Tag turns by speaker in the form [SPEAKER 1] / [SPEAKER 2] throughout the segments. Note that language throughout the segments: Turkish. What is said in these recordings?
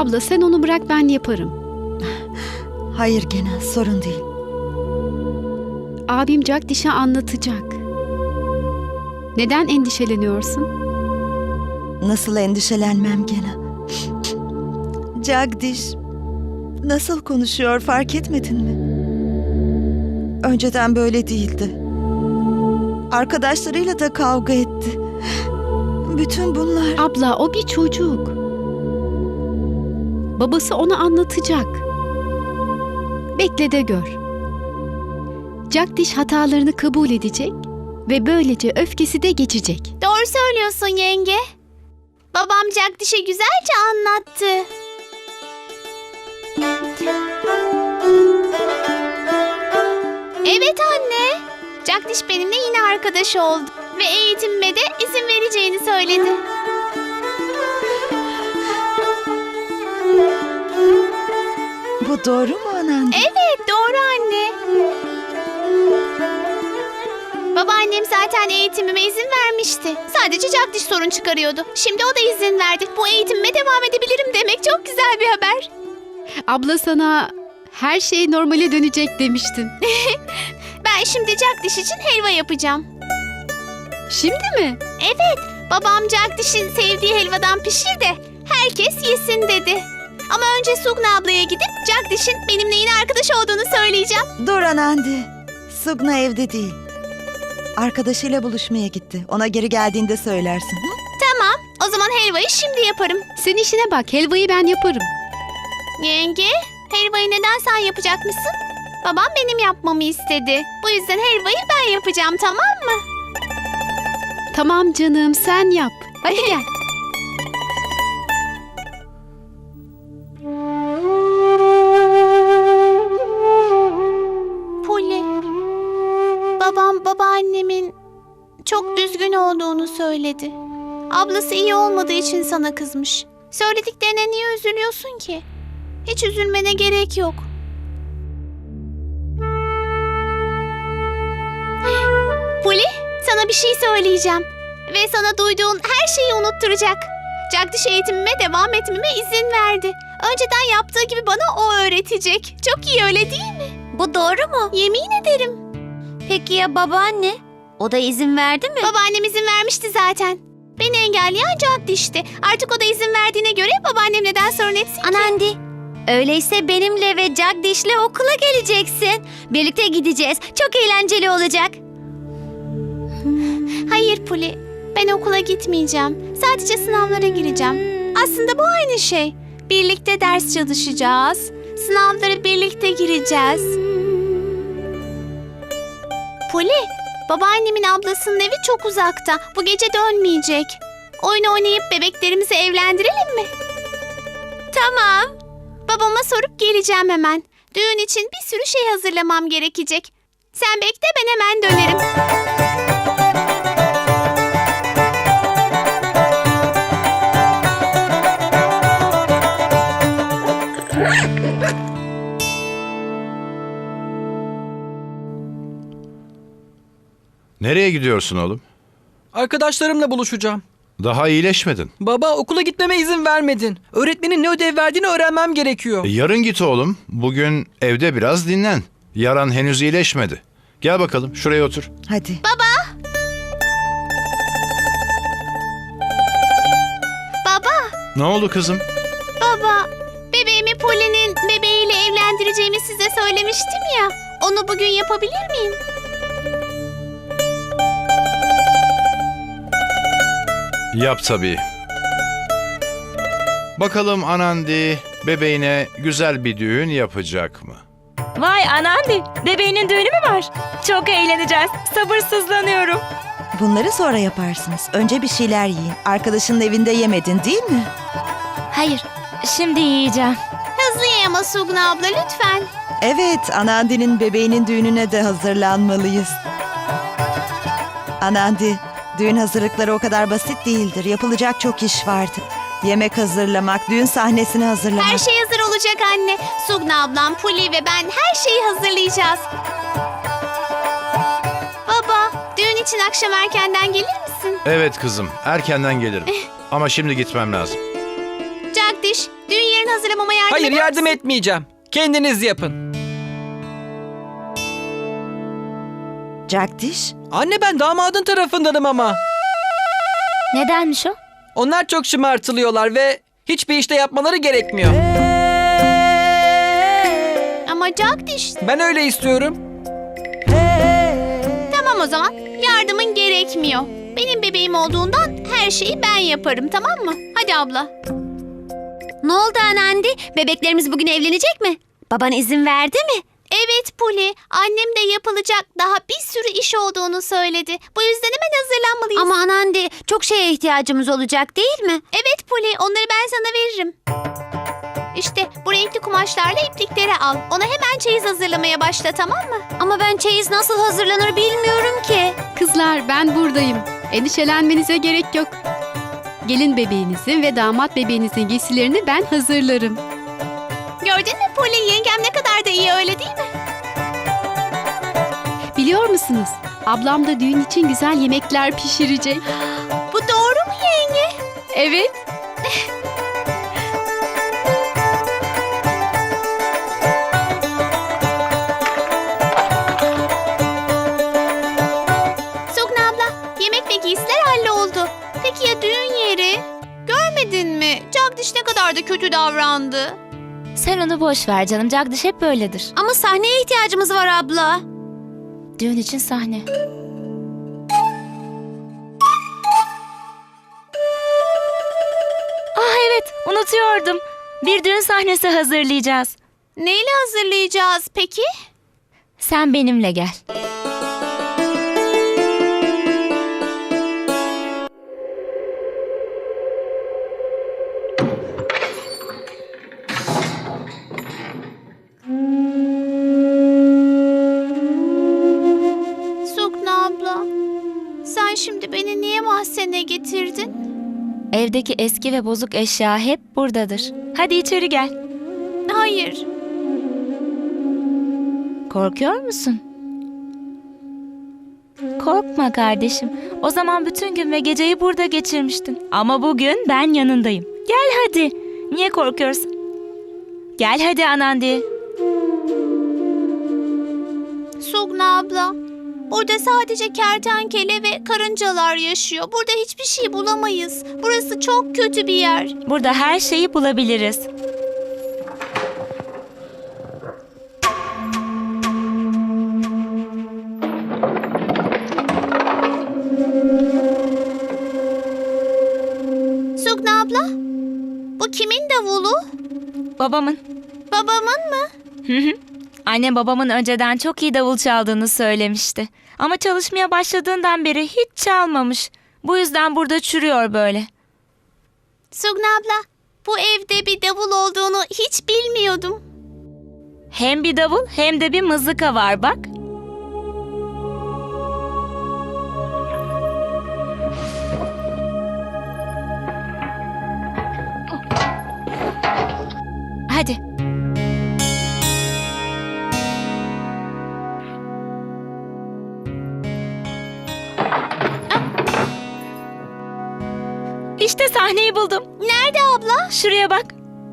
[SPEAKER 1] Abla sen onu bırak, ben yaparım.
[SPEAKER 2] Hayır Gena, sorun değil.
[SPEAKER 1] Abim Jagdish'e anlatacak. Neden endişeleniyorsun?
[SPEAKER 2] Nasıl endişelenmem Gena? Jagdish nasıl konuşuyor, fark etmedin mi? Önceden böyle değildi. Arkadaşlarıyla da kavga etti. Bütün bunlar...
[SPEAKER 1] Abla o bir çocuk. Babası ona anlatacak. Bekle de gör. Jagdish hatalarını kabul edecek ve böylece öfkesi de geçecek.
[SPEAKER 3] Doğru söylüyorsun yenge. Babam Jagdish'e güzelce anlattı. Evet anne. Jagdish benimle yine arkadaş oldu ve eğitimime de izin vereceğini söyledi.
[SPEAKER 2] Bu doğru mu Anandi?
[SPEAKER 3] Evet, doğru anne. Babaannem zaten eğitimime izin vermişti. Sadece Jagdish sorun çıkarıyordu. Şimdi o da izin verdi. Bu eğitimime devam edebilirim demek çok güzel bir haber.
[SPEAKER 1] Abla sana her şey normale dönecek demiştim.
[SPEAKER 3] Ben şimdi Jagdish için helva yapacağım.
[SPEAKER 1] Şimdi mi?
[SPEAKER 3] Evet, babam Jagdish'in sevdiği helvadan pişir de herkes yesin dedi. Ama önce Sugna ablaya gidip Jagdish'in benimle yine arkadaş olduğunu söyleyeceğim.
[SPEAKER 2] Dur Anandi. Sugna evde değil. Arkadaşıyla buluşmaya gitti. Ona geri geldiğinde söylersin. Hı?
[SPEAKER 3] Tamam, o zaman helvayı şimdi yaparım.
[SPEAKER 1] Sen işine bak, helvayı ben yaparım.
[SPEAKER 3] Yenge, helvayı neden sen yapacakmışsın? Babam benim yapmamı istedi. Bu yüzden helvayı ben yapacağım, tamam mı?
[SPEAKER 1] Tamam canım, sen yap. Hadi gel.
[SPEAKER 3] Puli, babam babaannemin çok üzgün olduğunu söyledi. Ablası iyi olmadığı için sana kızmış. Söylediklerine niye üzülüyorsun ki? Hiç üzülmene gerek yok. Puli, sana bir şey söyleyeceğim. Ve sana duyduğun her şeyi unutturacak. Jagdish eğitimime devam etmeme izin verdi. Önceden yaptığı gibi bana o öğretecek. Çok iyi, öyle değil mi?
[SPEAKER 4] Bu doğru mu?
[SPEAKER 3] Yemin ederim.
[SPEAKER 4] Peki ya babaanne? O da izin verdi mi?
[SPEAKER 3] Babaannem izin vermişti zaten. Beni engelleyen Jagdish'ti. Artık o da izin verdiğine göre babaannem neden sorun etsin ki?
[SPEAKER 4] Anandi, öyleyse benimle ve Jagdish'le okula geleceksin. Birlikte gideceğiz. Çok eğlenceli olacak.
[SPEAKER 3] Hayır Puli, ben okula gitmeyeceğim. Sadece sınavlara gireceğim. Aslında bu aynı şey. Birlikte ders çalışacağız. Sınavlara birlikte gireceğiz. Puli, babaannemin ablasının evi çok uzakta. Bu gece dönmeyecek. Oyun oynayıp bebeklerimizi evlendirelim mi? Tamam. Babama sorup geleceğim hemen. Düğün için bir sürü şey hazırlamam gerekecek. Sen bekle, ben hemen dönerim.
[SPEAKER 5] Nereye gidiyorsun oğlum?
[SPEAKER 6] Arkadaşlarımla buluşacağım.
[SPEAKER 5] Daha iyileşmedin.
[SPEAKER 6] Baba, okula gitmeme izin vermedin. Öğretmenin ne ödev verdiğini öğrenmem gerekiyor.
[SPEAKER 5] Yarın git oğlum. Bugün evde biraz dinlen. Yaran henüz iyileşmedi. Gel bakalım şuraya otur.
[SPEAKER 2] Hadi.
[SPEAKER 3] Baba,
[SPEAKER 5] Ne oldu kızım?
[SPEAKER 3] baba. Bebeğimi Poli'nin bebeğiyle evlendireceğimi size söylemiştim ya. Onu bugün yapabilir miyim?
[SPEAKER 5] Yap tabii. Bakalım Anandi bebeğine güzel bir düğün yapacak mı?
[SPEAKER 7] Vay Anandi, bebeğinin düğünü mü var? Çok eğleneceğiz. Sabırsızlanıyorum.
[SPEAKER 2] Bunları sonra yaparsınız. Önce bir şeyler yiyin. Arkadaşının evinde yemedin değil mi?
[SPEAKER 7] Hayır, şimdi yiyeceğim.
[SPEAKER 3] Hızlı ye ama Sugna abla lütfen.
[SPEAKER 2] Evet, Anandi'nin bebeğinin düğününe de hazırlanmalıyız. Anandi, düğün hazırlıkları o kadar basit değildir. Yapılacak çok iş vardır. Yemek hazırlamak, düğün sahnesini hazırlamak.
[SPEAKER 3] Her şey hazır olacak anne. Sugna ablam, Puli ve ben her şeyi hazırlayacağız. Baba, düğün için akşam erkenden gelir misin?
[SPEAKER 5] Evet kızım, erkenden gelirim. Ama şimdi gitmem lazım.
[SPEAKER 3] Jagdish, düğün yerini hazırlamama yardım
[SPEAKER 6] Hayır,
[SPEAKER 3] eder
[SPEAKER 6] yardım
[SPEAKER 3] misin?
[SPEAKER 6] etmeyeceğim. Kendiniz yapın.
[SPEAKER 2] Jagdish,
[SPEAKER 6] Anne, ben damadın tarafındanım ama.
[SPEAKER 7] Nedenmiş o?
[SPEAKER 6] Onlar çok şımartılıyorlar ve hiçbir işte yapmaları gerekmiyor.
[SPEAKER 3] Ama Jagdish,
[SPEAKER 6] Ben öyle istiyorum.
[SPEAKER 3] tamam o zaman. Yardımın gerekmiyor. Benim bebeğim olduğundan her şeyi ben yaparım, tamam mı? Hadi abla.
[SPEAKER 4] Ne oldu Anandi? Bebeklerimiz bugün evlenecek mi? Baban izin verdi mi?
[SPEAKER 3] Evet Puli, annem de yapılacak daha bir sürü iş olduğunu söyledi. Bu yüzden hemen hazırlanmalıyız.
[SPEAKER 4] Ama Anandi, çok şeye ihtiyacımız olacak değil mi?
[SPEAKER 3] Evet Puli, onları ben sana veririm. İşte bu renkli kumaşlarla iplikleri al. Ona hemen çeyiz hazırlamaya başla, tamam mı?
[SPEAKER 4] Ama ben çeyiz nasıl hazırlanır bilmiyorum ki.
[SPEAKER 1] Kızlar ben buradayım. Endişelenmenize gerek yok. Gelin bebeğinizin ve damat bebeğinizin giysilerini ben hazırlarım.
[SPEAKER 3] Gördün mü Puli, yengem ne kadar da iyi, öyle değil mi?
[SPEAKER 1] Biliyor musunuz? Ablam da düğün için güzel yemekler pişirecek.
[SPEAKER 3] Bu doğru mu yenge?
[SPEAKER 1] Evet.
[SPEAKER 3] Sugna abla, yemek ve giysiler halloldu. Peki ya düğün yeri? Görmedin mi? Jagdish ne kadar da kötü davrandı.
[SPEAKER 7] Sen onu boş ver canım. Jagdish hep böyledir.
[SPEAKER 4] Ama sahneye ihtiyacımız var abla.
[SPEAKER 7] Düğün için sahne. Ah evet, unutuyordum. Bir düğün sahnesi hazırlayacağız.
[SPEAKER 3] Neyle hazırlayacağız peki?
[SPEAKER 7] Sen benimle gel.
[SPEAKER 3] Sugna abla, sen şimdi beni niye mahzene getirdin?
[SPEAKER 7] Evdeki eski ve bozuk eşya hep buradadır. Hadi içeri gel.
[SPEAKER 3] Hayır.
[SPEAKER 7] Korkuyor musun? Korkma kardeşim. O zaman bütün gün ve geceyi burada geçirmiştin. Ama bugün ben yanındayım. Gel hadi. Niye korkuyorsun? Gel hadi Anandi.
[SPEAKER 3] Sugna abla, burada sadece kertenkele ve karıncalar yaşıyor. Burada hiçbir şey bulamayız. Burası çok kötü bir yer.
[SPEAKER 7] Burada her şeyi bulabiliriz.
[SPEAKER 3] Sugna abla, bu kimin davulu?
[SPEAKER 7] Babamın.
[SPEAKER 3] Babamın mı?
[SPEAKER 7] Annem babamın önceden çok iyi davul çaldığını söylemişti. Ama çalışmaya başladığından beri hiç çalmamış. Bu yüzden burada çürüyor böyle.
[SPEAKER 3] Sugna abla, bu evde bir davul olduğunu hiç bilmiyordum.
[SPEAKER 7] Hem bir davul hem de bir mızıka var bak. Hadi. İşte sahneyi buldum.
[SPEAKER 3] Nerede abla?
[SPEAKER 7] Şuraya bak.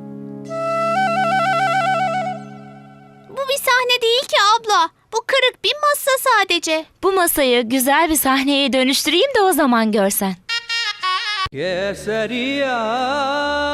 [SPEAKER 3] Bu bir sahne değil ki abla. Bu kırık bir masa sadece.
[SPEAKER 7] Bu masayı güzel bir sahneye dönüştüreyim de o zaman görsen.
[SPEAKER 6] Keseriya